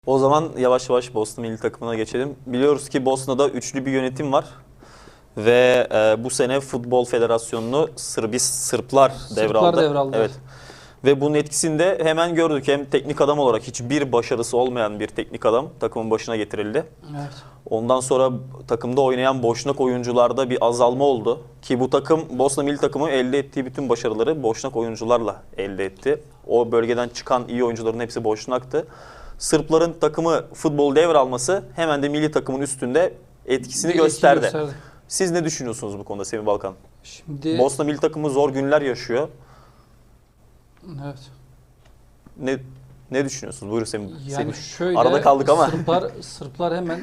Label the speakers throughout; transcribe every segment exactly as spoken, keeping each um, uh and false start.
Speaker 1: O zaman yavaş yavaş Bosna milli takımına geçelim. Biliyoruz ki Bosna'da üçlü bir yönetim var. Ve e, bu sene Futbol Federasyonu'nu Sırbis Sırplar devraldı.
Speaker 2: Sırplar devraldı.
Speaker 1: Evet. Ve bunun etkisini de hemen gördük. Hem teknik adam olarak hiçbir başarısı olmayan bir teknik adam takımın başına getirildi.
Speaker 2: Evet.
Speaker 1: Ondan sonra takımda oynayan boşnak oyuncularda bir azalma oldu. Ki bu takım, Bosna milli takımı elde ettiği bütün başarıları boşnak oyuncularla elde etti. O bölgeden çıkan iyi oyuncuların hepsi boşnaktı. Sırpların takımı futbol devralması hemen de milli takımın üstünde etkisini
Speaker 2: Bir
Speaker 1: gösterdi.
Speaker 2: etki gösterdi.
Speaker 1: Siz ne düşünüyorsunuz bu konuda Semih Balkan?
Speaker 2: Şimdi
Speaker 1: Bosna milli takımı zor günler yaşıyor.
Speaker 2: evet.
Speaker 1: Ne ne düşünüyorsunuz? Buyurun Semih.
Speaker 2: Yani
Speaker 1: Semih.
Speaker 2: şöyle
Speaker 1: Arada kaldık ama.
Speaker 2: Sırplar Sırplar hemen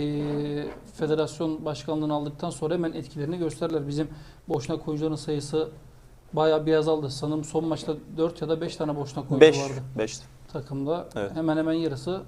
Speaker 2: e, federasyon başkanlığını aldıktan sonra hemen etkilerini gösterdiler. Bizim boşnak oyuncuların sayısı bayağı bir azaldı. Sanırım son maçta dört ya da beş tane boşnak oyuncu
Speaker 1: beş
Speaker 2: vardı
Speaker 1: beş
Speaker 2: takımda.
Speaker 1: Evet.
Speaker 2: Hemen hemen yarısı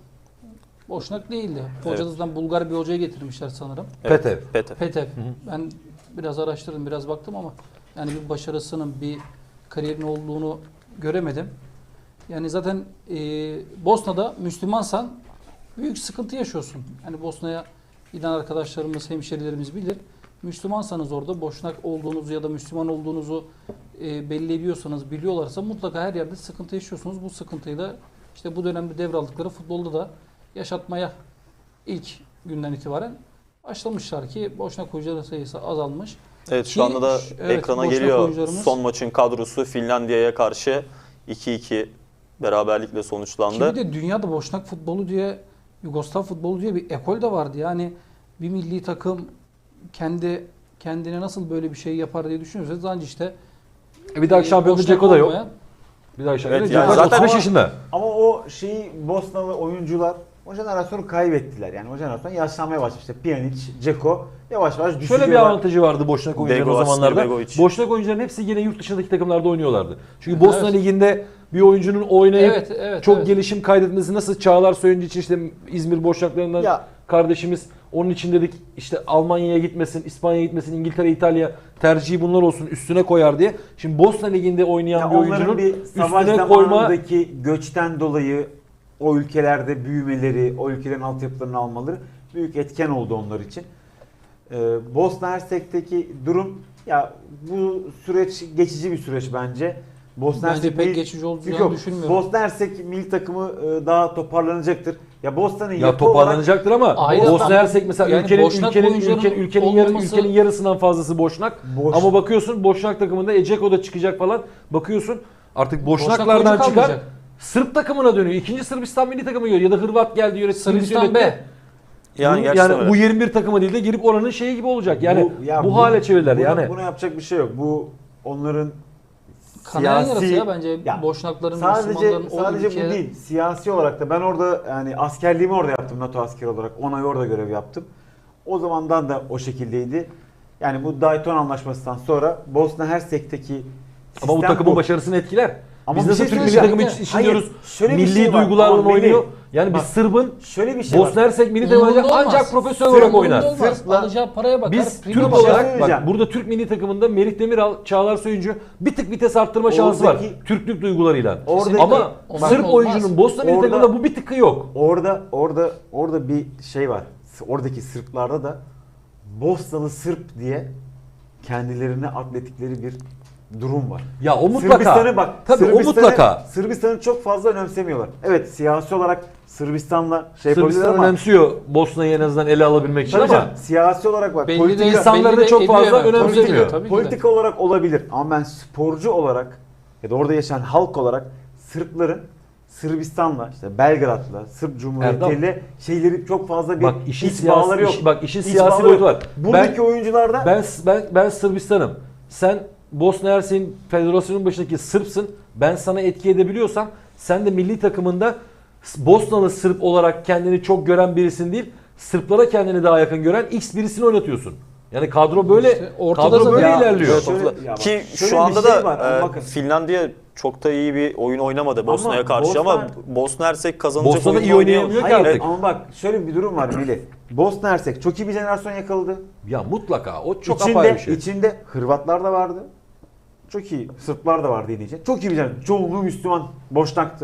Speaker 2: boşnak değildi.
Speaker 1: Evet.
Speaker 2: Hocadan Bulgar bir hocayı getirmişler sanırım.
Speaker 1: Evet.
Speaker 3: Petev.
Speaker 1: Petev.
Speaker 2: Petev. Ben biraz araştırdım, biraz baktım ama yani bir başarısının, bir kariyerin olduğunu göremedim. Yani zaten e, Bosna'da Müslümansan büyük sıkıntı yaşıyorsun. Yani Bosna'ya giden arkadaşlarımız, hemşerilerimiz bilir. Müslümansanız orada boşnak olduğunuzu ya da Müslüman olduğunuzu e, belli ediyorsanız, biliyorlarsa mutlaka her yerde sıkıntı yaşıyorsunuz. Bu sıkıntıyı da işte bu dönemde devraldıkları futbolda da yaşatmaya ilk günden itibaren başlamışlar ki boşnak oyuncuların sayısı azalmış.
Speaker 1: Evet, şu
Speaker 2: Ki,
Speaker 1: anda da
Speaker 2: evet,
Speaker 1: ekrana
Speaker 2: boşnak
Speaker 1: geliyor
Speaker 2: oyuncularımız-
Speaker 1: son maçın kadrosu Finlandiya'ya karşı iki iki beraberlikle sonuçlandı.
Speaker 2: Ki bir de dünyada boşnak futbolu diye, Yugoslav futbolu diye bir ekol de vardı. Yani bir milli takım kendi kendine nasıl böyle bir şey yapar diye düşünüyorsanız ancak işte
Speaker 3: E bir dahaki şampiyonda
Speaker 2: boşnak
Speaker 3: Ceko da yok.
Speaker 2: olmayan-
Speaker 3: Bir dahaki şampiyonda
Speaker 1: Evet,
Speaker 3: Ceko
Speaker 1: yani
Speaker 3: zaten
Speaker 1: zaten-
Speaker 3: otuz beş yaşında.
Speaker 4: Ama o şeyi Bosnalı oyuncular o jenerasyonu kaybettiler. Yani o jenerasyon yaşlanmaya başladı. İşte Pjanic, Dzeko yavaş yavaş düşüyorlar.
Speaker 3: Şöyle bir avantajı vardı Boşnak oyuncuların o
Speaker 1: Begovic,
Speaker 3: zamanlarda.
Speaker 1: Begovic.
Speaker 3: Boşnak oyuncuların hepsi yine yurt dışındaki takımlarda oynuyorlardı. Çünkü Bosna
Speaker 2: Evet.
Speaker 3: Ligi'nde bir oyuncunun oynayıp
Speaker 2: Evet, evet,
Speaker 3: çok
Speaker 2: evet.
Speaker 3: gelişim kaydetmesi nasıl Çağlar Söyüncü için işte İzmir Boşnaklarından
Speaker 4: Ya.
Speaker 3: kardeşimiz onun için dedik işte Almanya'ya gitmesin, İspanya'ya gitmesin, İngiltere, İtalya tercihi bunlar olsun üstüne koyar diye. Şimdi Bosna Ligi'nde oynayan
Speaker 4: Ya
Speaker 3: bir
Speaker 4: onların
Speaker 3: oyuncunun
Speaker 4: bir savaş
Speaker 3: üstüne koyma
Speaker 4: zamanındaki göçten dolayı o ülkelerde büyümeleri, o ülkelerin altyapılarını almaları büyük etken oldu onlar için. Ee, Bosna Hersek'teki durum ya bu süreç geçici bir süreç bence. Bosna
Speaker 2: Bence
Speaker 4: Hersek
Speaker 2: pek
Speaker 4: milli-
Speaker 2: geçici olacağını
Speaker 4: Yok,
Speaker 2: düşünmüyorum.
Speaker 4: Bosna Hersek milli takımı e, daha toparlanacaktır. Ya Bosna'nın
Speaker 3: ya
Speaker 4: yapı olarak
Speaker 3: toparlanacaktır ama
Speaker 2: Ayrıca-
Speaker 3: Bosna Hersek mesela
Speaker 2: yani
Speaker 3: ülkenin
Speaker 2: Boşnak
Speaker 3: ülkenin
Speaker 2: oyuncuların
Speaker 3: ülkenin ülkenin, yarı,
Speaker 2: olmaması-
Speaker 3: ülkenin yarısından fazlası Boşnak.
Speaker 4: Boş-
Speaker 3: Ama bakıyorsun Boşnak takımında Eceko da çıkacak falan. Bakıyorsun artık
Speaker 2: Boşnak
Speaker 3: Boşnaklardan
Speaker 2: oyuncu
Speaker 3: çıkar
Speaker 2: kalmayacak.
Speaker 3: Sırp takımına dönüyor. İkinci Sırbistan milli takımı geliyor ya da Hırvat geldi yönetti.
Speaker 2: Sırbistan
Speaker 3: yönetti.
Speaker 2: B.
Speaker 1: Yani,
Speaker 3: Bunun-
Speaker 1: gerçekten
Speaker 3: yani
Speaker 1: öyle.
Speaker 3: U yirmi bir takımı değil de girip oranın şeyi gibi olacak. Yani bu,
Speaker 4: ya
Speaker 3: hale çevirdiler
Speaker 4: buna,
Speaker 3: yani.
Speaker 4: Buna yapacak bir şey yok. Bu onların
Speaker 2: Kanayan
Speaker 4: siyasi-
Speaker 2: yarası ya bence
Speaker 4: Ya,
Speaker 2: Boşnakların,
Speaker 4: Sadece
Speaker 2: Müslümanların o
Speaker 4: sadece
Speaker 2: ülkeye-
Speaker 4: bu değil. Siyasi olarak da ben orada yani askerliğimi orada yaptım NATO askeri olarak. on ay orada görev yaptım. O zamandan da o şekildeydi. Yani bu Dayton Anlaşması'ndan sonra Bosna Hersek'teki
Speaker 3: Ama bu
Speaker 4: sistem
Speaker 3: takımın başarısını etkiler.
Speaker 4: Ama
Speaker 3: Biz
Speaker 4: bir
Speaker 3: nasıl
Speaker 4: şey
Speaker 3: Türk milli
Speaker 4: söyleyeceğim.
Speaker 3: takımı için
Speaker 4: Hayır,
Speaker 3: diyoruz.
Speaker 4: şöyle bir
Speaker 3: Milli
Speaker 4: şey var.
Speaker 3: duygularla
Speaker 4: Ama
Speaker 3: oynuyor.
Speaker 4: Melih,
Speaker 3: Yani biz
Speaker 4: bak,
Speaker 3: Sırbın
Speaker 4: şöyle bir şey
Speaker 3: Bosna
Speaker 4: var.
Speaker 3: Hersek milli takımı
Speaker 2: Umurunda olmaz.
Speaker 3: ancak profesyonel olarak
Speaker 2: Umurunda
Speaker 3: oynar.
Speaker 2: olmaz.
Speaker 4: Sırpla-
Speaker 2: Alacağı paraya bakar.
Speaker 3: Biz
Speaker 2: prime
Speaker 3: Türk
Speaker 2: bakar.
Speaker 3: olarak
Speaker 4: söyleyeceğim.
Speaker 3: bak burada Türk milli takımında Merih Demiral, Çağlar Söyüncü bir tık vites arttırma şansı var.
Speaker 4: Oradaki-
Speaker 3: Türklük duygularıyla.
Speaker 4: Oradaki-
Speaker 3: Ama
Speaker 2: Olmaz
Speaker 3: Sırp
Speaker 2: mı?
Speaker 3: oyuncunun
Speaker 2: Olmaz.
Speaker 3: Bosna milli
Speaker 4: Orada-
Speaker 3: takımında bu bir tıkı yok.
Speaker 4: Orada orada orada bir şey var. Oradaki Sırplarda da Bosnalı Sırp diye kendilerine atletikleri bir durum var.
Speaker 3: Ya o mutlaka.
Speaker 4: Sırbistan'ı bak.
Speaker 3: Tabii o
Speaker 4: Sırbistan'ı-
Speaker 3: mutlaka.
Speaker 4: Sırbistan'ı çok fazla önemsemiyorlar. Evet siyasi olarak Sırbistan'la şey yapabilirler
Speaker 3: Sırbistan
Speaker 4: ama
Speaker 3: önemsiyor Bosna'yı en azından ele alabilmek için
Speaker 4: tabii
Speaker 3: ama
Speaker 4: canım, siyasi olarak bak
Speaker 2: Belli
Speaker 4: politika,
Speaker 2: değil,
Speaker 3: insanları
Speaker 2: belli
Speaker 3: da çok
Speaker 2: de
Speaker 3: fazla
Speaker 2: ediyor hemen.
Speaker 3: önemsemiyor.
Speaker 2: Tabii ki de, tabii ki de.
Speaker 4: politika olarak olabilir ama ben sporcu olarak ya da orada yaşayan halk olarak Sırpların Sırbistan'la işte Belgrad'la Sırp Cumhuriyeti'yle şeyleri çok fazla bir
Speaker 3: Bak işin
Speaker 4: iç
Speaker 3: siyasi
Speaker 4: bağları yok.
Speaker 3: iş- bak işin
Speaker 4: İç
Speaker 3: siyasi
Speaker 4: bağları
Speaker 3: boyutu
Speaker 4: yok.
Speaker 3: var.
Speaker 4: Buradaki
Speaker 3: Ben-
Speaker 4: oyuncularda
Speaker 3: Ben ben ben Sırbistan'ım. Sen Bosna Hersek'in federasyonun başındaki Sırpsın. Ben sana etki edebiliyorsam sen de milli takımında Bosnalı Sırp olarak kendini çok gören birisin değil. Sırplara kendini daha yakın gören X birisini oynatıyorsun. Yani kadro böyle
Speaker 2: İşte ortada
Speaker 3: kadro
Speaker 2: zaten-
Speaker 3: böyle
Speaker 2: Ya,
Speaker 3: ilerliyor.
Speaker 1: Evet,
Speaker 4: Şöyle-
Speaker 1: ortada.
Speaker 4: ya bak,
Speaker 1: Ki
Speaker 4: şöyle
Speaker 1: şu
Speaker 4: bir
Speaker 1: anda
Speaker 4: şey
Speaker 1: da
Speaker 4: var, ama
Speaker 1: e,
Speaker 4: bakın.
Speaker 1: Finlandiya çok da iyi bir oyun oynamadı Bosna'ya
Speaker 4: Ama
Speaker 1: karşı ama
Speaker 4: Bosna-
Speaker 1: Bosna Hersek kazanacak
Speaker 3: Bosna'da
Speaker 1: oyunu
Speaker 3: iyi oynayamıyor
Speaker 1: oynuyor.
Speaker 3: ki
Speaker 4: Hayır
Speaker 3: artık.
Speaker 4: ama bak şöyle bir durum var Melih. Bosna Hersek çok iyi bir jenerasyon yakaladı.
Speaker 3: Ya mutlaka o çok
Speaker 4: içinde,
Speaker 3: apayrı bir şey.
Speaker 4: içinde Hırvatlar da vardı. Çok iyi. Sırplar da vardı yine. Çok iyi bir jenerasyon. Çoğunluğu Müslüman. Boşnaktı.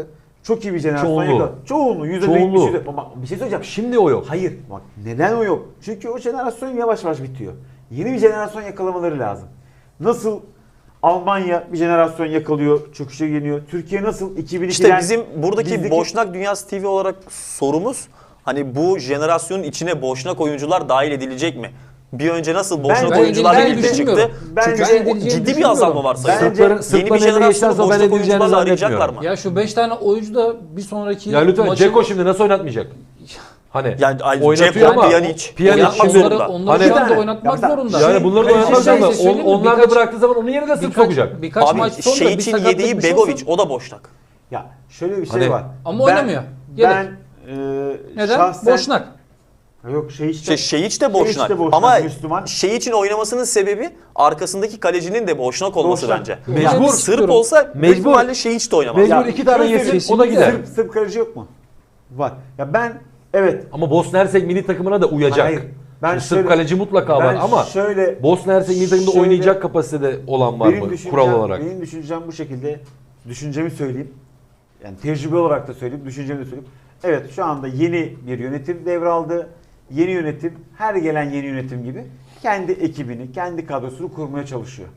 Speaker 4: Çok iyi bir jenerasyon
Speaker 3: Çoğunluğu.
Speaker 4: yakaladı. Çoğunluğu. yüzde
Speaker 3: Çoğunluğu.
Speaker 4: yetmiş. Ama bir şey söyleyeceğim.
Speaker 3: Şimdi o yok.
Speaker 4: Hayır. Bak neden o yok? Çünkü o jenerasyon yavaş yavaş bitiyor. Yeni bir jenerasyon yakalamaları lazım. Nasıl Almanya bir jenerasyon yakalıyor, çöküşe geliyor. Türkiye nasıl iki bin ikiden...
Speaker 1: İşte bizim buradaki
Speaker 4: bizdeki-
Speaker 1: Boşnak Dünyası T V olarak sorumuz hani bu jenerasyonun içine Boşnak oyuncular dahil edilecek mi? Bir önce nasıl Boşnak
Speaker 4: Ben-
Speaker 1: oyuncular
Speaker 2: ben
Speaker 1: birlikte çıktı?
Speaker 2: düşünmüyorum.
Speaker 4: Bence-
Speaker 1: Çünkü
Speaker 2: Ben
Speaker 1: o
Speaker 2: edileceğini
Speaker 1: ciddi bir azalma var
Speaker 4: Bence-
Speaker 1: sayıda.
Speaker 3: Sırpların,
Speaker 1: Yeni bir
Speaker 3: Sırpların eline
Speaker 1: jenerasyonu
Speaker 3: geçerse ben
Speaker 1: Boşnak
Speaker 3: edileceğini
Speaker 1: oyuncularla arayacaklar
Speaker 3: zannetmiyorum.
Speaker 1: mı?
Speaker 2: Ya şu beş tane oyuncu da bir sonraki
Speaker 3: Ya lütfen
Speaker 2: maçı-
Speaker 3: Ceko şimdi nasıl oynatmayacak? Hani
Speaker 1: Yani ay,
Speaker 3: oynatıyor
Speaker 1: Dzeko,
Speaker 3: ama
Speaker 1: Pjanic,
Speaker 3: Pjanic
Speaker 1: oynatmak
Speaker 3: şimdi-
Speaker 1: zorunda.
Speaker 2: onları, onları
Speaker 3: Hani-
Speaker 2: şu anda
Speaker 4: Yani-
Speaker 2: oynatmak
Speaker 4: Ya mesela-
Speaker 2: zorunda.
Speaker 3: yani bunları da
Speaker 4: Şey-
Speaker 3: oynatmak
Speaker 4: şey-
Speaker 3: zorunda.
Speaker 2: şey söyleyeyim mi?
Speaker 3: On- Onlar da
Speaker 2: Birkaç-
Speaker 3: bıraktığı zaman onun yerine de sırf
Speaker 2: birkaç,
Speaker 3: sokacak.
Speaker 2: birkaç
Speaker 1: Abi
Speaker 2: maç sonra bir
Speaker 1: Şeyç'in
Speaker 2: sakatlık
Speaker 1: yediği
Speaker 2: bir şey
Speaker 1: Begovic
Speaker 2: olsun.
Speaker 1: o da Boşnak.
Speaker 4: Ya şöyle bir şey
Speaker 3: Hani-
Speaker 4: var.
Speaker 2: Ama
Speaker 4: Ben-
Speaker 2: oynamıyor. Yedek.
Speaker 4: Ben e,
Speaker 2: Neden?
Speaker 4: şahsen...
Speaker 2: Boşnak.
Speaker 4: Yok şey işte.
Speaker 1: İşte Şeyiç de Boşnak.
Speaker 4: de Boşnak,
Speaker 1: Ama
Speaker 4: Müslüman.
Speaker 1: Şeyiç'in oynamasının sebebi arkasındaki kalecinin de Boşnak olması
Speaker 4: Boşnak.
Speaker 1: bence.
Speaker 3: Mecbur.
Speaker 1: Yani Sırp olsa büyük
Speaker 3: Mecbur.
Speaker 1: ihtimalle Şeyiç de oynamaz.
Speaker 3: Mecbur
Speaker 4: Ya,
Speaker 3: iki tane
Speaker 4: şöyle
Speaker 3: yesin
Speaker 4: söyleyeyim,
Speaker 3: o da gider.
Speaker 4: Sırp, Sırp kaleci yok mu? Var. Ya ben evet.
Speaker 3: Ama Bosna Hersek milli takımına da uyacak.
Speaker 4: Hayır. Ben
Speaker 3: Şimdi
Speaker 4: şöyle-
Speaker 3: Sırp kaleci mutlaka var
Speaker 4: ben
Speaker 3: ama
Speaker 4: şöyle
Speaker 3: Bosna Hersek milli takımda
Speaker 4: şöyle-
Speaker 3: oynayacak kapasitede olan var
Speaker 4: benim
Speaker 3: mı
Speaker 4: düşüncem,
Speaker 3: kural olarak?
Speaker 4: Benim düşüncem bu şekilde. Düşüncemi söyleyeyim. Yani tecrübe olarak da söyleyeyim, düşüncemi de söyleyeyim. Evet şu anda yeni bir yönetim devraldı. Yeni yönetim, her gelen yeni yönetim gibi kendi ekibini, kendi kadrosunu kurmaya çalışıyor.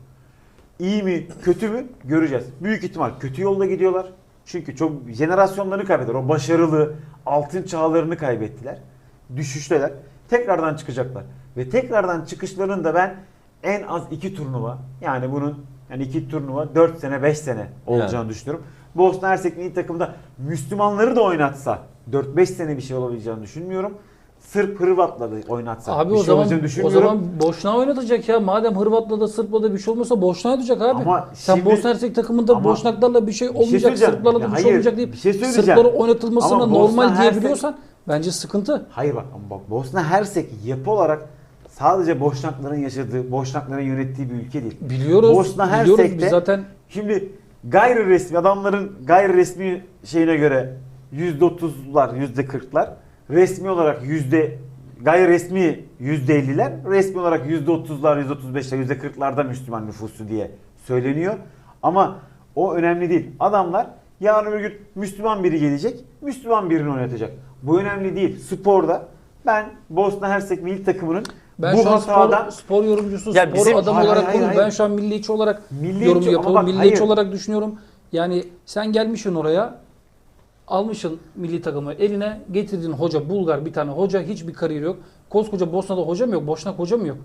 Speaker 4: İyi mi, kötü mü göreceğiz. Büyük ihtimal kötü yolda gidiyorlar. Çünkü çok jenerasyonlarını kaybettiler. O başarılı altın çağlarını kaybettiler. Düşüşteler. Tekrardan çıkacaklar. Ve tekrardan çıkışlarında ben en az iki turnuva, yani bunun yani iki turnuva dört sene beş sene olacağını
Speaker 3: Yani.
Speaker 4: düşünüyorum. Bosna Hersek milli takımda Müslümanları da oynatsa dört beş sene bir şey olabileceğini düşünmüyorum. Sırp Hırvat'la da oynatsa
Speaker 2: Abi
Speaker 4: bir
Speaker 2: o
Speaker 4: şey
Speaker 2: zaman
Speaker 4: olacağını
Speaker 2: o
Speaker 4: düşünmüyorum.
Speaker 2: zaman boşuna oynatacak ya. Madem Hırvat'la da Sırp'la da bir şey olmasa boşuna oynatacak abi.
Speaker 4: Ama
Speaker 2: Sen
Speaker 4: şimdi-
Speaker 2: Bosna Hersek takımında
Speaker 4: ama
Speaker 2: Boşnaklarla bir şey
Speaker 4: şey
Speaker 2: olmayacak,
Speaker 4: söyleyeceğim.
Speaker 2: Sırplarla da
Speaker 4: Ya
Speaker 2: bir şey
Speaker 4: hayır,
Speaker 2: olmayacak deyip
Speaker 4: bir şey söyleyeceğim.
Speaker 2: Sırplara oynatılmasına
Speaker 4: Ama Bosna
Speaker 2: normal
Speaker 4: Hersek-
Speaker 2: diyebiliyorsan bence sıkıntı.
Speaker 4: Hayır bak, ama bak Bosna Hersek yapı olarak sadece Boşnakların yaşadığı, Boşnakların yönettiği bir ülke değil.
Speaker 2: Biliyoruz.
Speaker 4: Bosna
Speaker 2: biliyoruz
Speaker 4: Hersek'te
Speaker 2: biz zaten.
Speaker 4: şimdi gayri resmi adamların gayri resmi şeyine göre yüzde otuzlar, yüzde kırklar, resmi olarak yüzde gayri resmi yüzde elliler, resmi olarak yüzde otuzlar, yüzde otuz beşler, yüzde kırklarda Müslüman nüfusu diye söyleniyor. Ama o önemli değil. Adamlar yarın öbür gün Müslüman biri gelecek, Müslüman birini oynatacak. Bu önemli değil. Sporda ben Bosna Hersek milli takımının
Speaker 2: Ben
Speaker 4: bu
Speaker 2: şu an
Speaker 4: hatadan
Speaker 2: spor, spor yorumcusu,
Speaker 1: Ya
Speaker 2: spor
Speaker 1: bizim-
Speaker 2: adamı
Speaker 4: Hayır,
Speaker 2: olarak
Speaker 4: hayır,
Speaker 2: konuşuyorum.
Speaker 4: hayır.
Speaker 2: Ben şu an milliyetçi olarak
Speaker 4: Milliyetçi
Speaker 2: yorum
Speaker 4: ama
Speaker 2: yapıyorum.
Speaker 4: bak,
Speaker 2: Milliyetçi
Speaker 4: hayır.
Speaker 2: olarak düşünüyorum. Yani sen gelmişsin oraya, almışsın milli takımı eline, getirdin hoca, Bulgar bir tane hoca, hiçbir kariyeri yok. Koskoca Bosna'da hoca mı yok, Boşnak hoca mı yok?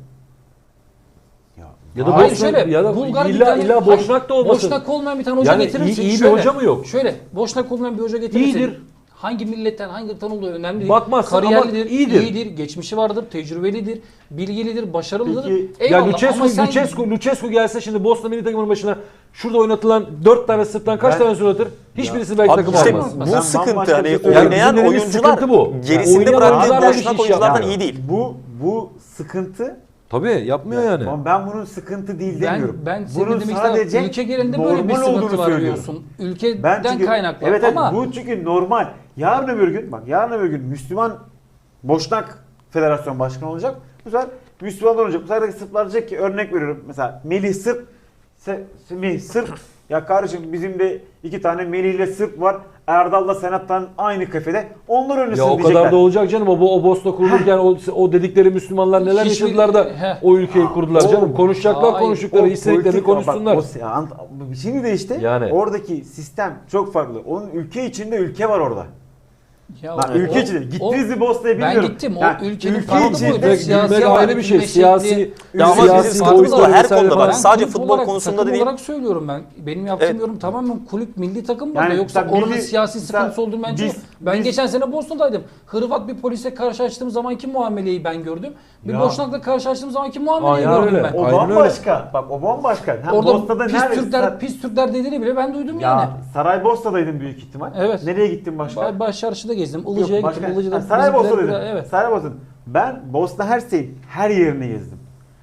Speaker 3: Ya da
Speaker 2: Hayır,
Speaker 3: Bosna
Speaker 2: şöyle,
Speaker 3: ya da
Speaker 2: Bulgar bir
Speaker 3: illa
Speaker 2: tane-
Speaker 3: illa
Speaker 2: hayır,
Speaker 3: Boşnak da olmasın.
Speaker 2: Boşnak olmayan bir tane hoca
Speaker 3: Yani
Speaker 2: getirirsin.
Speaker 3: iyi- iyi bir
Speaker 2: Şöyle,
Speaker 3: hoca mı yok?
Speaker 2: Şöyle, Boşnak olmayan bir hoca getirirsin.
Speaker 3: İyidir.
Speaker 2: Hangi milletten, hangi ırktan olduğu önemli değil.
Speaker 3: Bakmazsın ama
Speaker 2: Kariyerlidir,
Speaker 3: iyidir.
Speaker 2: iyidir, geçmişi vardır, tecrübelidir, bilgilidir, başarılıdır.
Speaker 4: Peki,
Speaker 3: Ya
Speaker 2: Eyvallah
Speaker 3: Lucescu,
Speaker 2: ama sen
Speaker 3: Lucescu, Lucescu gelse şimdi Bosna milli takımının başına şurada oynatılan dört tane Sırp'tan kaç
Speaker 4: Ben-
Speaker 3: tane oynatır? Hiçbirisi belki
Speaker 1: Abi
Speaker 3: takım
Speaker 1: işte
Speaker 3: almaz.
Speaker 1: bu
Speaker 4: Ben
Speaker 1: sıkıntı
Speaker 4: bambaşka
Speaker 1: hani
Speaker 4: bir şey söyleyeyim.
Speaker 1: oynayan
Speaker 3: Yani bizim
Speaker 1: oyuncular
Speaker 3: sıkıntı bu.
Speaker 1: gerisinde
Speaker 3: Oynayan
Speaker 1: bıraktığı
Speaker 3: oyuncularla bir
Speaker 1: Boşnak
Speaker 3: iş
Speaker 1: oyunculardan
Speaker 3: yapmıyor.
Speaker 1: iyi değil.
Speaker 4: Bu bu sıkıntı.
Speaker 3: Tabii yapmıyor yani.
Speaker 4: Ama ben bunun sıkıntı değil
Speaker 2: Ben,
Speaker 4: demiyorum.
Speaker 2: ben senin
Speaker 4: bunun
Speaker 2: demek
Speaker 4: sadece
Speaker 2: istediğim ülke genelinde böyle bir
Speaker 4: normal
Speaker 2: sıkıntı
Speaker 4: olduğunu
Speaker 2: var
Speaker 4: söylüyorum.
Speaker 2: diyorsun. Ülkeden
Speaker 4: Ben çünkü,
Speaker 2: kaynaklı
Speaker 4: evet, evet,
Speaker 2: ama
Speaker 4: bu çünkü normal. Yarın öbür gün bak yarın öbür gün Müslüman Boşnak Federasyon Başkanı olacak. Bu sefer Müslümanlar olacak. Bu sefer de Sırplar diyecek ki, örnek veriyorum mesela Melih Sırp, Se- Semih Sırp. Ya kardeşim bizim de iki tane Melih ile Sırp var. Erdal'la Senat'tan aynı kafede. Onlar oynasın
Speaker 3: Ya o
Speaker 4: diyecekler.
Speaker 3: kadar da olacak canım. O, o Bosna kurulurken o, o dedikleri Müslümanlar neler
Speaker 2: Hiçbir-
Speaker 3: yaşadılar da
Speaker 2: Heh.
Speaker 3: o ülkeyi kurdular
Speaker 4: O-
Speaker 3: canım. Konuşacaklar
Speaker 2: Hayır,
Speaker 3: konuştukları,
Speaker 4: O
Speaker 3: istediklerini
Speaker 4: politik-
Speaker 3: konuşsunlar.
Speaker 4: Bak, o- ya, ant- şimdi de işte
Speaker 3: Yani.
Speaker 4: oradaki sistem çok farklı. Onun ülke içinde ülke var orada.
Speaker 2: ya
Speaker 4: Bak,
Speaker 2: o-
Speaker 4: ülke
Speaker 2: o-
Speaker 4: içinde.
Speaker 2: o-
Speaker 4: Gittiniz mi Bosna'ya
Speaker 2: ben
Speaker 4: bilmiyorum.
Speaker 2: gittim. O
Speaker 4: Yani
Speaker 2: ülkenin
Speaker 4: ülke
Speaker 2: farklı
Speaker 4: içinde-
Speaker 2: boyutu.
Speaker 3: Gitmek
Speaker 2: Siyasi
Speaker 3: ayrı bir şey.
Speaker 2: yönetim
Speaker 3: Siyasi,
Speaker 2: şekli-
Speaker 1: Ya ama
Speaker 3: siyasi
Speaker 1: bizim
Speaker 3: boyutu
Speaker 1: sıkıntımız var. Her
Speaker 3: vesaire
Speaker 1: konuda
Speaker 3: falan.
Speaker 1: var. Sadece
Speaker 2: kulüp
Speaker 1: futbol
Speaker 2: olarak,
Speaker 1: konusunda
Speaker 2: takım
Speaker 1: da değil.
Speaker 2: olarak söylüyorum ben. Benim yaptığım
Speaker 1: Evet.
Speaker 2: yorum tamamen kulüp milli takım
Speaker 4: Yani
Speaker 2: burada. Yoksa
Speaker 4: mesela
Speaker 2: oranın
Speaker 4: milli-
Speaker 2: siyasi
Speaker 4: mesela
Speaker 2: sıkıntısı olduğunu bence
Speaker 4: biz-
Speaker 2: yok. Ben
Speaker 4: biz-
Speaker 2: geçen sene Bosna'daydım. Hırvat bir polise karşılaştığım zamanki muameleyi ben gördüm. Bir
Speaker 4: Ya.
Speaker 2: Boşnak'la karşılaştığım zamanki muameleyi
Speaker 3: Aynen
Speaker 2: gördüm
Speaker 3: öyle.
Speaker 2: ben.
Speaker 4: O
Speaker 3: Aynen öyle.
Speaker 4: bambaşka. Bak o bambaşka. Hem
Speaker 2: Orada
Speaker 4: Bosna'da
Speaker 2: pis
Speaker 4: nerede-
Speaker 2: Türkler, pis Türkler dediğini bile ben duydum
Speaker 4: Ya
Speaker 2: yani.
Speaker 4: Saraybosna'daydın büyük ihtimal.
Speaker 2: Evet.
Speaker 4: Nereye gittin başka?
Speaker 2: Ba- Baş çarşıda gezdim.
Speaker 4: Yok,
Speaker 2: Ilıca'ya
Speaker 4: başka-
Speaker 2: gittim. Ilıca'da
Speaker 4: Ha, Saraybosna'daydın.
Speaker 2: bizimkiler- Evet.
Speaker 4: Saraybosna'daydın. Ben Bosna Hersek'in her yerini gezdim.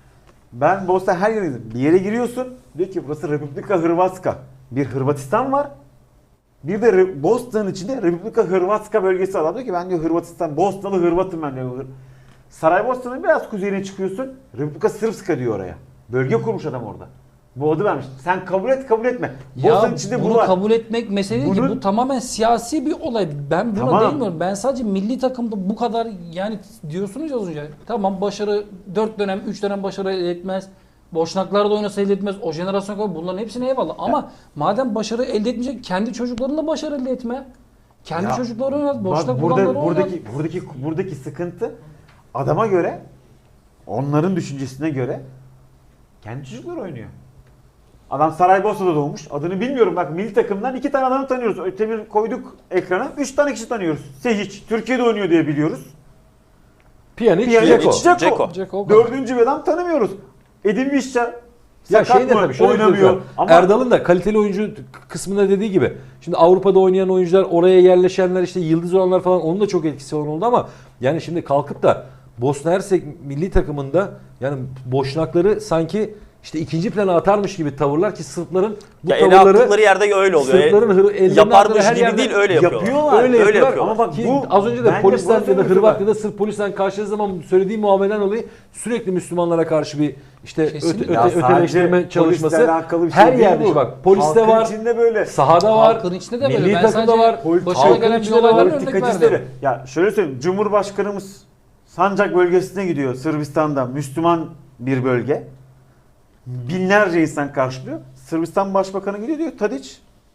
Speaker 4: Ben Bosna her yerini gezdim. Bir yere giriyorsun. Diyor ki burası Republika Hrvatska. Bir Hırvatistan var. Bir de Re- Bosna'nın içinde Republika Hrvatska bölgesi var. Adam diyor ki ben diyor Hırvatistan, Bosnalı Hırvatım ben diyor. Saraybosna'nın biraz kuzeyine çıkıyorsun. Republika Srpska diyor oraya. Bölge kurmuş adam orada. Bu adı vermiş. Sen kabul et kabul etme.
Speaker 2: Ya
Speaker 4: Bosna'nın içinde bu
Speaker 2: bunu
Speaker 4: var.
Speaker 2: kabul etmek mesele değil ki.
Speaker 4: Bunun-
Speaker 2: Bu tamamen siyasi bir olay. Ben buna
Speaker 4: Tamam.
Speaker 2: değmiyorum. Ben sadece milli takımda bu kadar, yani diyorsunuz ya az önce. Tamam, başarı dört dönem, üç dönem başarı elde etmez. Boşnaklar da oynasa elde etmez. O jenerasyon kadar bunların hepsine eyvallah. Ama madem başarı elde etmeyecek, kendi çocuklarınla başarı elde etme. Kendi
Speaker 4: Ya,
Speaker 2: çocukları oynat. Boşnak
Speaker 4: Bak burada
Speaker 2: olanları oynat.
Speaker 4: buradaki buradaki buradaki sıkıntı adama göre, onların düşüncesine göre kendi çocukları oynuyor. Adam Saraybosna'da doğmuş. Adını bilmiyorum. Bak milli takımdan iki tane adamı tanıyoruz. Ötemir koyduk ekrana. Üç tane kişi tanıyoruz. Sehiç. Türkiye'de oynuyor diye biliyoruz.
Speaker 3: Pjanic,
Speaker 4: Pjanic,
Speaker 3: Dzeko.
Speaker 4: Dzeko.
Speaker 1: Dzeko.
Speaker 2: Dzeko.
Speaker 4: Dördüncü bir adam tanımıyoruz. Edin Visca
Speaker 3: Ya
Speaker 4: sakat
Speaker 3: şey de
Speaker 4: mı?
Speaker 3: tabii şöyle
Speaker 4: Oynamıyor.
Speaker 3: oynamıyor.
Speaker 4: Ama
Speaker 3: Erdal'ın da kaliteli oyuncu kısmında dediği gibi. Şimdi Avrupa'da oynayan oyuncular, oraya yerleşenler, işte yıldız olanlar falan, onun da çok etkisi olan oldu ama yani şimdi kalkıp da Bosna Hersek milli takımında yani boşnakları sanki işte ikinci plana atarmış gibi tavırlar ki Sırpların bu
Speaker 1: Ya ele
Speaker 3: tavırları
Speaker 1: attıkları yerde öyle oluyor.
Speaker 3: Sırpların hır, ellerine
Speaker 1: Yaparmış
Speaker 3: attığı her
Speaker 1: gibi
Speaker 3: yerde
Speaker 1: değil, öyle yapıyorlar.
Speaker 4: yapıyorlar.
Speaker 3: Öyle,
Speaker 1: Öyle
Speaker 3: yapıyorlar.
Speaker 1: yapıyorlar.
Speaker 4: Ama bak
Speaker 3: Ki
Speaker 4: bu
Speaker 3: az önce de
Speaker 4: bence
Speaker 3: polisten
Speaker 4: burası
Speaker 3: ya da
Speaker 4: öyle
Speaker 3: Hırvat
Speaker 4: bak.
Speaker 3: ya da Sırp polisten karşıladığı zaman söylediği muameleden dolayı sürekli Müslümanlara karşı bir işte öte,
Speaker 2: Kesinlikle.
Speaker 3: öte,
Speaker 4: Ya sadece
Speaker 3: öteleştirme çalışması
Speaker 4: polisle alakalı bir şey
Speaker 3: her
Speaker 4: değil
Speaker 3: yerde
Speaker 4: bu.
Speaker 3: bak poliste
Speaker 4: Halkın
Speaker 3: var,
Speaker 4: içinde böyle.
Speaker 3: sahada var,
Speaker 2: Halkın içinde de böyle.
Speaker 3: milli
Speaker 2: Ben
Speaker 3: takımda
Speaker 2: sadece
Speaker 3: var.
Speaker 2: başına
Speaker 3: halkın
Speaker 2: gelen bir
Speaker 3: içinde de
Speaker 2: olaydan
Speaker 3: var.
Speaker 2: örnek
Speaker 4: Politikacıları.
Speaker 2: verdim.
Speaker 4: Ya şöyle söyleyeyim. Cumhurbaşkanımız Sancak bölgesine gidiyor. Sırbistan'da Müslüman bir bölge. Binlerce insan karşılıyor. Sırbistan Başbakanı gidiyor diyor Tadiç.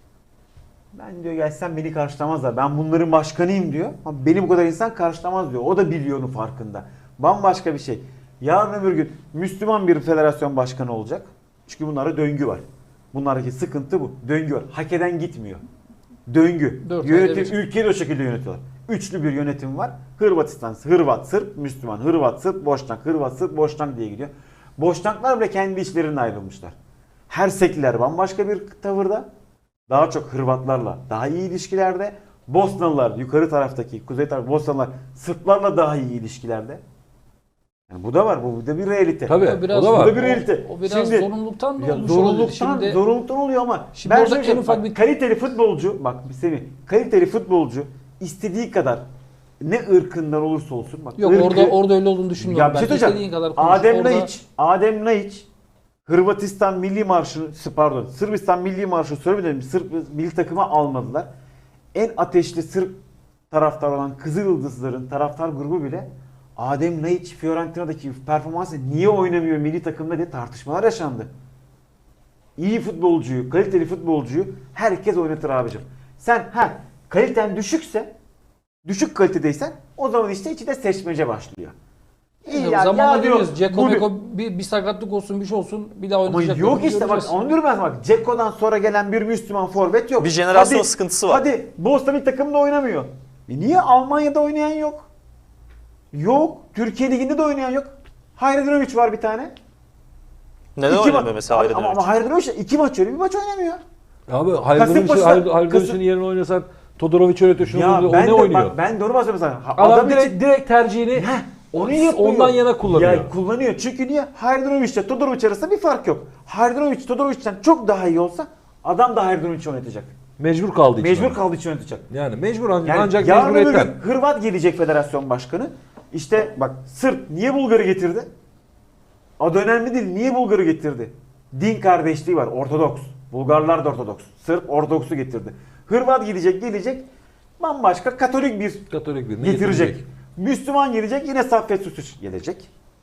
Speaker 4: Ben diyor gelsem beni karşılamazlar. Ben bunların başkanıyım diyor. Ama beni bu kadar insan karşılamaz diyor. O da biliyor onun farkında. Bambaşka bir şey. Yarın öbür gün Müslüman bir federasyon başkanı olacak. Çünkü bunlara döngü var. Bunlardaki sıkıntı bu. Döngü var. Hak eden gitmiyor. Döngü.
Speaker 2: Dört ayda
Speaker 4: Yönetim,
Speaker 2: bir.
Speaker 4: ülkeyi de o şekilde yönetiyorlar. Üçlü bir yönetim var. Hırvatistan, Hırvat, Sırp, Müslüman. Hırvat, Sırp, Boşnak. Hırvat, Sırp, Boşnak diye gidiyor. Boşnaklar bile kendi içlerinden ayrılmışlar. Hersekliler bambaşka bir tavırda. Daha çok Hırvatlarla daha iyi ilişkilerde. Bosnalılar yukarı taraftaki, kuzey taraf Bosnalılar Sırplarla daha iyi ilişkilerde. Yani bu da var. Bu da bir realite.
Speaker 3: Tabii,
Speaker 2: O biraz-
Speaker 3: o da var.
Speaker 4: Bu da bir realite.
Speaker 2: O, o biraz
Speaker 4: Şimdi-
Speaker 2: zorunluluktan da
Speaker 4: Ya
Speaker 2: olmuş olabilir.
Speaker 4: zorunluluktan,
Speaker 2: Şimdi
Speaker 4: zorunluluktan oluyor ama
Speaker 2: Şimdi
Speaker 4: ben
Speaker 2: orada
Speaker 4: şöyle
Speaker 2: en
Speaker 4: söyleyeyim,
Speaker 2: ufak
Speaker 4: bak,
Speaker 2: bir-
Speaker 4: kaliteli futbolcu bak bir Semih, kaliteli futbolcu istediği kadar ne ırkından olursa olsun bak
Speaker 2: yok
Speaker 4: ırkı-
Speaker 2: orada orada öyle olduğunu düşünmüyorum.
Speaker 4: ya bir
Speaker 2: ben.
Speaker 4: şey söyleyeceğim.
Speaker 2: İstediğin kadar konuş.
Speaker 4: Adem
Speaker 2: Orada-
Speaker 4: Laiç, Adem Laiç Hırvatistan Milli Marşı, pardon Sırbistan Milli Marşı söylemedim. Sırp milli takıma almadılar. En ateşli Sırp taraftar olan Kızılyıldızların taraftar grubu bile Adem Laiç Fiorentina'daki performansı niye oynamıyor milli takımda diye tartışmalar yaşandı. İyi futbolcuyu, kaliteli futbolcuyu herkes oynatır abicim. Sen ha kaliten düşükse, düşük kalitedeysen o zaman işte içinde seçmece başlıyor. İyi
Speaker 2: Ya,
Speaker 4: ya,
Speaker 2: zamanla
Speaker 4: ya diyor,
Speaker 2: görüyoruz. Ceko
Speaker 4: bu-
Speaker 2: Meko bir, bir sakatlık olsun, bir şey olsun, bir daha
Speaker 4: ama
Speaker 2: oynayacak.
Speaker 4: yok işte bak onu diyorum ben sana, bak Ceko'dan sonra gelen bir Müslüman forvet yok.
Speaker 1: Bir jenerasyon
Speaker 4: Hadi-
Speaker 1: sıkıntısı var.
Speaker 4: Hadi Bosna bir takımda oynamıyor. E niye Almanya'da oynayan yok? Yok. Türkiye Ligi'nde de oynayan yok. Hayredinovic var bir tane.
Speaker 1: Neden
Speaker 4: İki
Speaker 1: oynamıyor
Speaker 4: ma-
Speaker 1: mesela
Speaker 4: Ama, ama
Speaker 1: Hayredinovic?
Speaker 4: Hayredinovic iki maç oynuyor, bir maç oynamıyor.
Speaker 3: Abi Hayredoviç'in
Speaker 4: Kasımpaşa'da-
Speaker 3: Hayredoviç'in
Speaker 4: Kasım-
Speaker 3: yerine oynasan Todorovic öğretiyor şunu
Speaker 4: Ya
Speaker 3: bunu, o
Speaker 4: ben
Speaker 3: ne
Speaker 4: de
Speaker 3: oynuyor?
Speaker 4: bak ben doğru bahsediyorum sana. Ha,
Speaker 3: Adam, direkt
Speaker 4: için-
Speaker 3: direkt tercihini
Speaker 4: Heh, onu yapıyor.
Speaker 3: ondan yana kullanıyor.
Speaker 4: Ya kullanıyor. Çünkü niye? Hayredinovic ile Todorovic arasında bir fark yok. Hayredinovic Todorovic'ten çok daha iyi olsa adam da Hayredovic oynatacak.
Speaker 3: Mecbur kaldığı için.
Speaker 4: Mecbur
Speaker 3: ama.
Speaker 4: kaldığı için oynatacak.
Speaker 3: Yani mecbur ancak,
Speaker 4: Yani
Speaker 3: ancak
Speaker 4: yarın öbür
Speaker 3: mecburiyetten.
Speaker 4: gün Hırvat gelecek federasyon başkanı. İşte bak Sırp niye Bulgar'ı getirdi? Adı önemli değil. Niye Bulgar'ı getirdi? Din kardeşliği var. Ortodoks. Bulgarlar da Ortodoks. Sırp Ortodoks'u getirdi. Hırvat gelecek gelecek. Bambaşka Katolik bir
Speaker 3: Katolik birini
Speaker 4: getirecek.
Speaker 3: getirecek.
Speaker 4: Müslüman gelecek. Yine Saffet Susuç gelecek.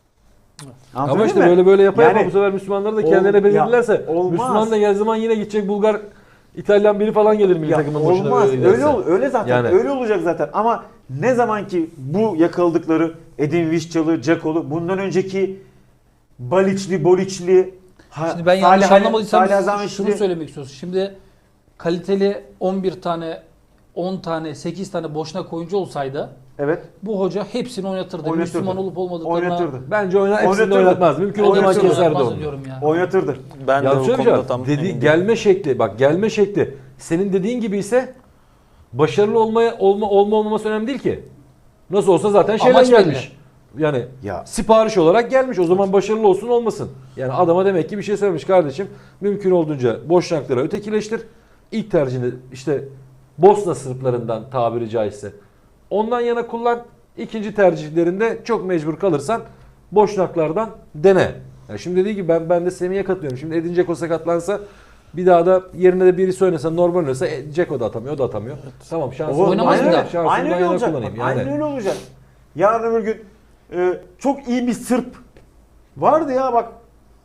Speaker 3: Ama
Speaker 4: Anlatabildim
Speaker 3: işte
Speaker 4: mi?
Speaker 3: böyle böyle yapa yapa
Speaker 4: Yani-
Speaker 3: bu sefer Müslümanlar da
Speaker 4: Ol-
Speaker 3: kendilerine
Speaker 4: ya,
Speaker 3: belirlerse
Speaker 4: olmaz.
Speaker 3: Müslüman da geldiği zaman yine gidecek Bulgar, İtalyan biri falan gelir milli
Speaker 4: Ya
Speaker 3: takımın başına.
Speaker 4: olmaz.
Speaker 3: böyle
Speaker 4: Öyle
Speaker 3: giderse.
Speaker 4: ol, öyle zaten.
Speaker 3: Yani.
Speaker 4: Öyle olacak zaten. Ama ne zaman ki bu yakaladıkları Edin Viscalı, Dzeko'lu, bundan önceki Baliçli, Boliçli, ha,
Speaker 2: Şimdi ben yanlış
Speaker 4: Salih-
Speaker 2: anlamadıysam
Speaker 4: Salih
Speaker 2: şunu
Speaker 4: Azametli-
Speaker 2: söylemek istiyorsun. Şimdi kaliteli on bir tane, on tane, sekiz tane boşnak oyuncu olsaydı
Speaker 4: Evet.
Speaker 2: bu hoca hepsini oynatırdı.
Speaker 4: Oynatırdı.
Speaker 2: Müslüman olup olmadıklarına
Speaker 4: Oynatırdı.
Speaker 3: Bence oynar, hepsini de
Speaker 4: Oynatırdı.
Speaker 3: oynatmaz. Mümkün olduğu zaman
Speaker 4: Oynatırdı.
Speaker 3: keserdi
Speaker 2: oynatmaz
Speaker 3: onu.
Speaker 2: diyorum ya.
Speaker 4: Oynatırdı.
Speaker 1: Ben de
Speaker 3: Ya
Speaker 1: bu
Speaker 3: şöyle bir
Speaker 1: konuda
Speaker 3: şey
Speaker 1: tam
Speaker 3: var. Dedi,
Speaker 1: emin değilim.
Speaker 3: gelme şekli, bak gelme şekli senin dediğin gibi ise başarılı olmaya olma olma olmaması önemli değil ki. Nasıl olsa zaten şeyden
Speaker 2: Amaç belli.
Speaker 3: gelmiş. Yani
Speaker 4: Ya.
Speaker 3: sipariş olarak gelmiş. O zaman başarılı olsun olmasın. Yani adama demek ki bir şey söylemiş kardeşim. Mümkün olduğunca boşnaklara ötekileştir. İlk tercihini işte Bosna Sırplarından tabiri caizse ondan yana kullan. İkinci tercihlerinde çok mecbur kalırsan boşnaklardan dene. Yani şimdi dediği gibi ben ben de Semih'e katılıyorum. Şimdi Edin Dzeko sakatlansa bir daha da yerine de birisi oynasa, normal oynasa e, Dzeko da atamıyor, o da atamıyor. Tamam şansını
Speaker 2: Oynamaz
Speaker 3: aynen
Speaker 2: bir daha.
Speaker 3: öyle. Şansını
Speaker 4: Aynen
Speaker 3: ben
Speaker 4: öyle
Speaker 3: yana
Speaker 4: olacak.
Speaker 3: kullanayım.
Speaker 4: Bak, aynen
Speaker 3: Yani.
Speaker 4: öyle olacak. Yarın öbür gün e, çok iyi bir Sırp vardı ya bak.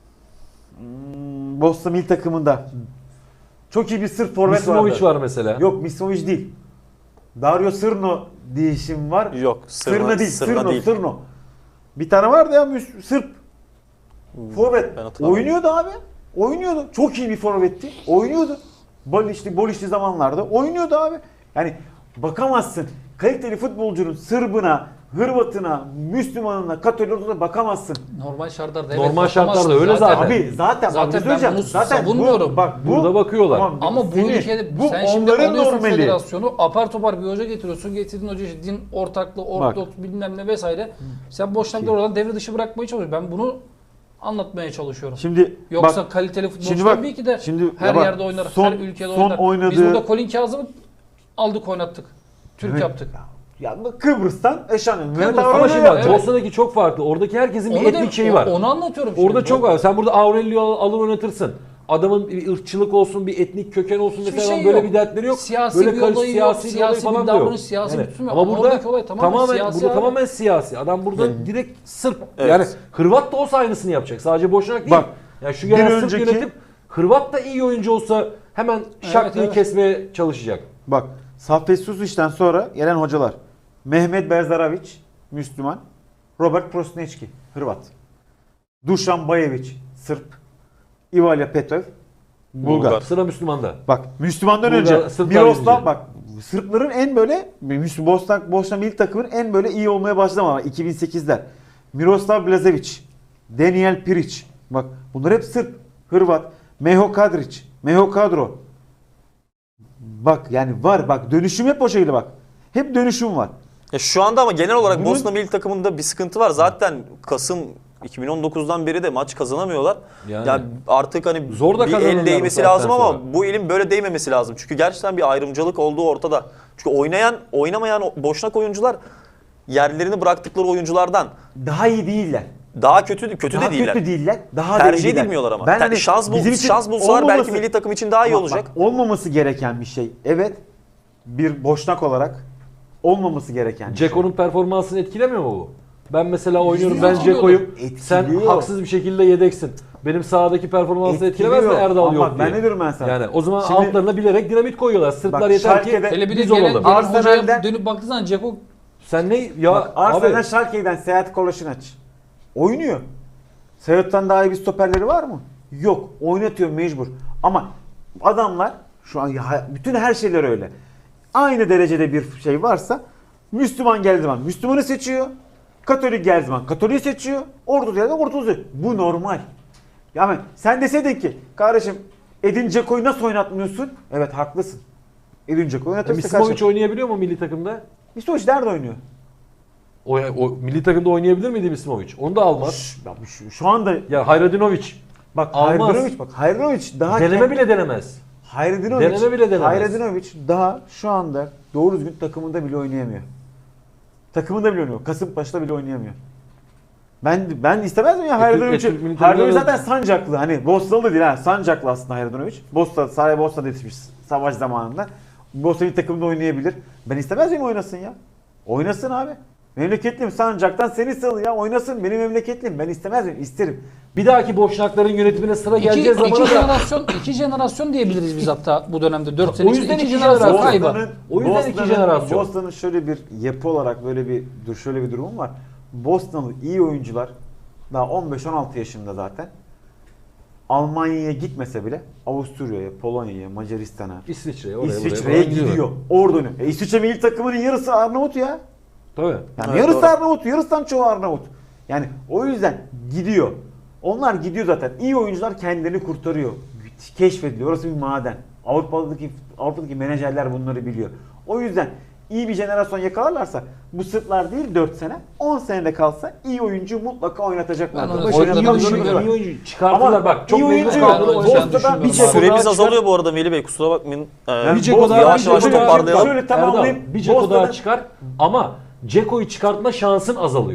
Speaker 4: Hmm, Bosna milli takımında. Çok iyi bir Sırp forvet vardı.
Speaker 3: Misimovic var mesela.
Speaker 4: Yok Misimovic değil. Dario Sırno diye isim var.
Speaker 1: Yok,
Speaker 4: Sırna,
Speaker 1: Sırna,
Speaker 4: değil,
Speaker 1: Sırna
Speaker 4: Sırno,
Speaker 1: değil.
Speaker 4: Sırno. Bir tane vardı ya Müs- Sırp. Forvet.
Speaker 1: Ben hatırlamıyorum.
Speaker 4: Oynuyordu abi. Oynuyordu. Çok iyi bir forvetti. Oynuyordu. Bolişli, Bolişli zamanlarda oynuyordu abi. Yani bakamazsın. Kaliteli futbolcunun Sırbına, Hırvatına, Müslümanına, Katolik'e bakamazsın.
Speaker 2: Normal şartlarda evet.
Speaker 3: Normal
Speaker 2: bakamazsın.
Speaker 3: şartlarda öyle zaten.
Speaker 4: Abi zaten,
Speaker 2: Zaten
Speaker 4: bak, bir
Speaker 2: ben
Speaker 4: söyleyeceğim.
Speaker 2: bunu
Speaker 4: zaten
Speaker 2: savunmuyorum.
Speaker 4: Bu, bak, bu,
Speaker 3: Burada bakıyorlar.
Speaker 4: Tamam,
Speaker 2: Ama bu
Speaker 4: Semih,
Speaker 2: ülkede
Speaker 4: bu
Speaker 2: sen şimdi
Speaker 4: onların
Speaker 2: alıyorsun
Speaker 4: normali.
Speaker 2: federasyonu apar topar bir hoca getiriyorsun. Getirdiğin hoca işte din ortaklığı, ortodoks bilmem ne vesaire. Sen boşnakları oradan devre dışı bırakmaya çalışıyorsun. Ben bunu anlatmaya çalışıyorum.
Speaker 4: Şimdi
Speaker 2: Yoksa
Speaker 4: bak,
Speaker 2: kaliteli futbolcu
Speaker 4: şimdi bak,
Speaker 2: tabii ki de
Speaker 4: şimdi
Speaker 2: her
Speaker 4: ya bak,
Speaker 2: yerde oynar,
Speaker 4: son-
Speaker 2: her ülkede
Speaker 4: son
Speaker 2: oynar. Biz
Speaker 4: oynadığı-
Speaker 2: burada Colin Kazım'ı aldık oynattık. Türk
Speaker 4: Evet.
Speaker 2: yaptık.
Speaker 4: ya bu Kıbrıs'tan eşanı. Mehmet
Speaker 2: Kıbrıs-
Speaker 4: Avrasya
Speaker 3: Ama şimdi bak
Speaker 2: Evet.
Speaker 3: Bosna'daki çok farklı. Oradaki herkesin bir
Speaker 2: Onu
Speaker 3: etnik
Speaker 2: da-
Speaker 3: şeyi
Speaker 2: o-
Speaker 3: var.
Speaker 2: Onu anlatıyorum
Speaker 3: Orada
Speaker 2: şimdi.
Speaker 3: çok var. Sen burada Aurelio alır oynatırsın. Adamın bir ırkçılık olsun, bir etnik köken olsun
Speaker 2: Hiçbir
Speaker 3: mesela
Speaker 2: şey
Speaker 3: böyle
Speaker 2: yok.
Speaker 3: bir dertleri yok.
Speaker 2: Siyasi
Speaker 3: böyle
Speaker 2: bir
Speaker 3: karış-
Speaker 2: olayı yok,
Speaker 3: siyasi bir
Speaker 2: siyasi
Speaker 3: olayı
Speaker 2: bir
Speaker 3: falan da yok.
Speaker 2: davranış, siyasi bir tutum yok.
Speaker 3: Ama
Speaker 2: Ama
Speaker 3: burada
Speaker 2: oradaki olay tamamen siyasi
Speaker 3: burada
Speaker 2: abi.
Speaker 3: tamamen siyasi. Adam burada direkt Sırp.
Speaker 1: Evet.
Speaker 3: Yani Hırvat da olsa aynısını yapacak. Sadece Boşnak değil.
Speaker 4: Bak,
Speaker 3: yani şu
Speaker 4: bir
Speaker 3: gelen Sırp
Speaker 4: önceki-
Speaker 3: yönetip Hırvat da iyi oyuncu olsa hemen şak
Speaker 2: Evet,
Speaker 3: diye
Speaker 2: evet.
Speaker 3: kesmeye çalışacak.
Speaker 4: Bak Saffet Susic'ten sonra gelen hocalar. Mehmet Berzaravić Müslüman. Robert Prosneçki Hırvat. Dušan Bajević Sırp. Ivalya Petov Bulgar.
Speaker 1: Bulgar.
Speaker 3: Sıra Müslüman'da.
Speaker 4: Bak Müslümandan
Speaker 3: Bulgar,
Speaker 4: önce
Speaker 3: Sırplar
Speaker 4: Miroslav
Speaker 3: birinci.
Speaker 4: bak Sırpların en böyle Müslü- Bosna Bosna milli takımın en böyle iyi olmaya başlama iki bin sekizler. Miroslav Blazević, Daniel Piric. Bak bunlar hep Sırp, Hırvat, Meho Kadrić, Meho Kadro. Bak yani var bak dönüşüm hep o şekilde bak. Hep dönüşüm var.
Speaker 1: Ya şu anda ama genel olarak
Speaker 4: Bunun-
Speaker 1: Bosna milli takımında bir sıkıntı var. Zaten Kasım iki bin on dokuzdan beri de maç kazanamıyorlar.
Speaker 3: Yani.
Speaker 1: Ya artık hani
Speaker 3: Zor da
Speaker 1: bir
Speaker 3: kazanırlar
Speaker 1: el
Speaker 3: bu
Speaker 1: değmesi
Speaker 3: saatten
Speaker 1: lazım ama
Speaker 3: sonra.
Speaker 1: bu elin böyle değmemesi lazım. Çünkü gerçekten bir ayrımcılık olduğu ortada. Çünkü oynayan, oynamayan o- boşnak oyuncular yerlerini bıraktıkları oyunculardan
Speaker 4: Daha iyi değiller.
Speaker 1: daha kötü kötü
Speaker 4: Daha
Speaker 1: de değiller.
Speaker 4: kötü değiller. Daha da iyi
Speaker 1: Tercih
Speaker 4: değiller.
Speaker 1: edilmiyorlar ama.
Speaker 4: Ben
Speaker 1: Ter-
Speaker 4: hani
Speaker 1: şans, bul,
Speaker 4: bizim için
Speaker 1: şans bulsalar belki
Speaker 4: olmaması-
Speaker 1: milli takım için daha iyi
Speaker 4: Bak,
Speaker 1: olacak.
Speaker 4: bak, olmaması gereken bir şey. Evet. Bir boşnak olarak olmaması gereken bir şey.
Speaker 3: Ceko'nun performansını etkilemiyor mu bu? Ben mesela oynuyorum,
Speaker 2: Yüzde
Speaker 3: ben
Speaker 2: yüz
Speaker 3: Ceko'yum.
Speaker 4: etkiliyor.
Speaker 3: Sen
Speaker 4: Etkiliyor.
Speaker 3: haksız bir şekilde yedeksin. Benim sahadaki performansı etkilemez mi
Speaker 4: Etkiliyor.
Speaker 3: Erdal
Speaker 4: Ama
Speaker 3: yok
Speaker 4: ben
Speaker 3: diye.
Speaker 4: ne diyorum ben sana?
Speaker 3: Yani o zaman
Speaker 4: Şimdi-
Speaker 3: altlarına bilerek dinamit koyuyorlar. Sırplar
Speaker 4: Bak,
Speaker 3: yeter ki
Speaker 4: Schalke'de-
Speaker 2: Hele bir de
Speaker 3: biz
Speaker 2: gelen,
Speaker 3: olalım.
Speaker 2: gelen
Speaker 4: Arsenal'den-
Speaker 2: hocaya dönüp baktığı zaman Ceko
Speaker 3: Sen ne ya
Speaker 4: Bak, Arsenal'den
Speaker 3: abi
Speaker 4: Schalke'den Seyahat Kolaşinac oynuyor. Seyahat'tan daha iyi bir stoperleri var mı? Yok. Oynatıyor mecbur. Ama adamlar şu an ya- bütün her şeyler öyle. Aynı derecede bir şey varsa Müslüman geldiği zaman Müslümanı seçiyor. Katolik geldiği zaman Katolik'i seçiyor. Ortodoks geldiği zaman Ortodoks'u. Bu normal. Yani sen deseydin ki kardeşim Edin Dzeko'yu nasıl oynatmıyorsun? Evet haklısın. Edin Dzeko'yu oynatırsa
Speaker 3: Misimovic
Speaker 4: kardeşim.
Speaker 3: oynayabiliyor mu milli takımda?
Speaker 4: Misimovic nerede oynuyor?
Speaker 3: O, o milli takımda oynayabilir miydi Misimovic? Onu da almaz.
Speaker 4: Şş, bak şu, şu anda
Speaker 3: Ya Hayradinovic
Speaker 4: bak
Speaker 3: Almaz.
Speaker 4: Hayradinovic bak Hayradinovic daha
Speaker 3: deneme
Speaker 4: kend-
Speaker 3: bile denemez.
Speaker 4: Hayradinovic
Speaker 3: deneme bile denemez.
Speaker 4: Hayradinovic daha şu anda doğru düzgün takımında bile oynayamıyor. Takımında bile oynamıyor. Kasımpaşa'da bile oynayamıyor. Ben ben istemez miyim ya
Speaker 3: E,
Speaker 4: Hayradonovic'i?
Speaker 3: Türk- e, Türk milli
Speaker 4: Hayradonovic
Speaker 3: takımda-
Speaker 4: zaten Sancaklı. Hani Bosnalı da değil ha. Sancaklı aslında Hayradonovic. Bosna, sahaya Bosna'da yetişmiş savaş zamanında. Bosna milli takımda oynayabilir. Ben istemez miyim oynasın ya? Oynasın abi. Memleketliyim Sancak'tan seni sal ya. Oynasın benim memleketliyim. Ben istemez miyim? İsterim.
Speaker 3: Bir dahaki boşnakların yönetimine sıra
Speaker 2: iki,
Speaker 3: geleceği
Speaker 2: iki
Speaker 3: zamana da
Speaker 2: jenerasyon iki jenerasyon diyebiliriz biz hatta bu dönemde dört sene
Speaker 3: O
Speaker 2: içinde
Speaker 3: yüzden
Speaker 2: iki
Speaker 3: iki
Speaker 2: jenerasyon
Speaker 3: jenerasyon.
Speaker 2: kaybı.
Speaker 4: Bosna'nın,
Speaker 3: O yüzden iki
Speaker 4: Bosna'nın-
Speaker 3: jenerasyon.
Speaker 4: Bosna'nın şöyle bir yapı olarak böyle bir dur şöyle bir durum var. Bosnalı iyi oyuncular daha on beş on altı yaşında zaten. Almanya'ya gitmese bile Avusturya'ya, Polonya'ya, Macaristan'a,
Speaker 3: İsviçre'ye oraya
Speaker 4: İsviçre'ye
Speaker 3: buraya falan
Speaker 4: gidiyor. Orada oynuyor. E İsviçre milli takımının yarısı Arnavut ya.
Speaker 3: Tabii.
Speaker 4: Yani
Speaker 1: Evet,
Speaker 4: yarısı
Speaker 1: doğru.
Speaker 4: Arnavut, yarısından çoğu Arnavut. Yani o yüzden gidiyor. Onlar gidiyor zaten. İyi oyuncular kendilerini kurtarıyor. Keşfediliyor. Orası bir maden. Avrupa'daki Avrupa'daki menajerler bunları biliyor. O yüzden iyi bir jenerasyon yakalarlarsa bu Sırplar değil dört sene, on senede kalsa iyi oyuncu mutlaka oynatacaklar.
Speaker 2: Ben onu
Speaker 4: Başarılı
Speaker 2: söylediğim
Speaker 3: Oynadığı
Speaker 2: gibi
Speaker 4: oyuncular
Speaker 3: oyuncu,
Speaker 4: var.
Speaker 3: iyi oyuncu çıkartırlar
Speaker 4: Ama
Speaker 3: bak. Çok
Speaker 4: iyi
Speaker 3: memnun
Speaker 4: oyuncu
Speaker 3: kaldım.
Speaker 2: yok.
Speaker 3: O-
Speaker 2: Bosna'dan
Speaker 4: Bosna'dan
Speaker 2: bir
Speaker 4: bir
Speaker 2: şey-
Speaker 1: Süremiz
Speaker 3: daha çıkar-
Speaker 1: azalıyor bu arada Melih Bey, kusura bakmayın. Ee,
Speaker 4: Yani
Speaker 3: Bir Ceko daha,
Speaker 1: yavaş
Speaker 3: bir
Speaker 1: yavaş
Speaker 3: Ceko daha-
Speaker 1: toparlayalım.
Speaker 4: Şöyle
Speaker 3: Erdal,
Speaker 4: tamamlayayım.
Speaker 3: bir Ceko daha
Speaker 4: Bosna'dan-
Speaker 3: çıkar ama Ceko'yu çıkartma şansın azalıyor.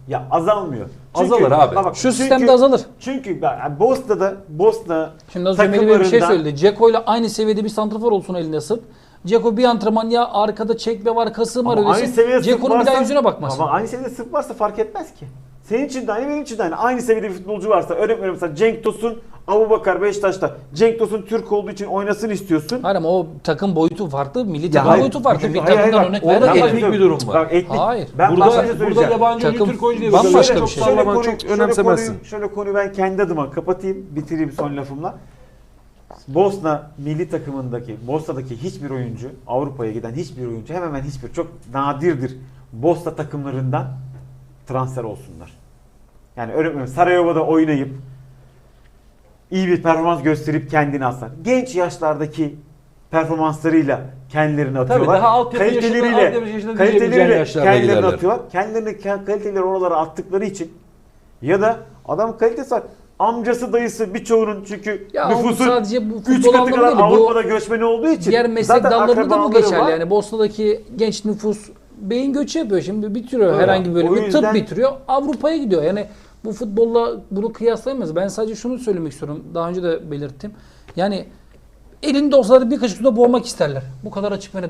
Speaker 4: Ya azalmıyor. Çünkü,
Speaker 3: Azalır abi.
Speaker 4: bak, bak,
Speaker 2: Şu
Speaker 4: çünkü-
Speaker 2: sistemde azalır.
Speaker 4: Çünkü ben- yani Bosna'da Bosna
Speaker 2: Şimdi az önce Melih Bey bir şey
Speaker 4: takımlarından-
Speaker 2: söyledi. Dzeko ile aynı seviyede bir santrafor olsun elinde Sırp. Dzeko bir antrenman ya arkada çekme var, kasım var
Speaker 4: Ama aynı
Speaker 2: öylesin.
Speaker 4: seviyede Sırp
Speaker 2: Dzeko'nun bir daha
Speaker 4: varsa-
Speaker 2: yüzüne bakmasın.
Speaker 4: Ama aynı seviyede Sırp varsa fark etmez ki. Senin için de aynı, benim için de aynı. Aynı seviyede bir futbolcu varsa, örnek veriyorum mesela Cenk Tosun, Abubakar Beşiktaş'ta. Cenk Tosun Türk olduğu için oynasın istiyorsun.
Speaker 2: Hayır ama o takım boyutu farklı, milli
Speaker 4: Ya
Speaker 2: takım
Speaker 4: hayır,
Speaker 2: boyutu farklı.
Speaker 4: çünkü-
Speaker 2: Bir
Speaker 4: hayır, hayır,
Speaker 2: takımdan
Speaker 4: bak,
Speaker 2: örnek
Speaker 3: orada
Speaker 2: veremeyiz.
Speaker 3: etnik bir durum var.
Speaker 4: Bak etnik.
Speaker 2: Hayır.
Speaker 4: Ben
Speaker 3: Burada,
Speaker 4: başka bir şey
Speaker 3: burada
Speaker 4: söyleyeceğim.
Speaker 3: yabancı oyuncu
Speaker 2: Takım
Speaker 3: Türk oyuncu diye
Speaker 2: bambaşka
Speaker 3: bakıyorum.
Speaker 2: bir
Speaker 3: Çok
Speaker 2: şey.
Speaker 3: sallaman
Speaker 4: konuyu-
Speaker 3: çok
Speaker 4: şöyle
Speaker 3: önemsemezsin.
Speaker 4: konuyu, şöyle konuyu ben kendi adıma kapatayım, bitireyim son lafımla. Bosna milli takımındaki, Bosna'daki hiçbir oyuncu, Avrupa'ya giden hiçbir oyuncu, hemen hemen hiçbir, çok nadirdir Bosna takımlarından transfer olsunlar. Yani örnek veriyorum Sarajevo'da oynayıp iyi bir performans gösterip kendini alsınlar. Genç yaşlardaki performanslarıyla kendilerini atıyorlar.
Speaker 3: daha altyapı yaşında- altyapı yaşında diyebileceğin
Speaker 4: kaliteleriyle
Speaker 3: yaşlarda
Speaker 4: kendilerini
Speaker 3: giderler.
Speaker 4: atıyorlar. Kendilerini kaliteleri oralara attıkları için ya da adam kalitesi var. Amcası dayısı birçoğunun çünkü
Speaker 2: Ya o
Speaker 4: nüfusun
Speaker 2: sadece bu
Speaker 4: üç
Speaker 2: futbol
Speaker 4: katı
Speaker 2: anlamında
Speaker 4: kadar
Speaker 2: değil. Bu
Speaker 4: Avrupa'da göçmeni olduğu için
Speaker 2: diğer meslek
Speaker 4: zaten
Speaker 2: dallarında da bu
Speaker 4: akrabaları
Speaker 2: geçerli.
Speaker 4: var.
Speaker 2: Yani Bosna'daki genç nüfus beyin göçü yapıyor. Şimdi bitiriyor
Speaker 4: Öyle.
Speaker 2: herhangi bir
Speaker 4: O
Speaker 2: bölümü,
Speaker 4: yüzden-
Speaker 2: tıp bitiriyor. Avrupa'ya gidiyor. Yani bu futbolla bunu kıyaslayamayız. Ben sadece şunu söylemek istiyorum. Daha önce de belirttim. Yani elinde olsalar bir kaşık suda boğmak isterler. Bu kadar açık ve net.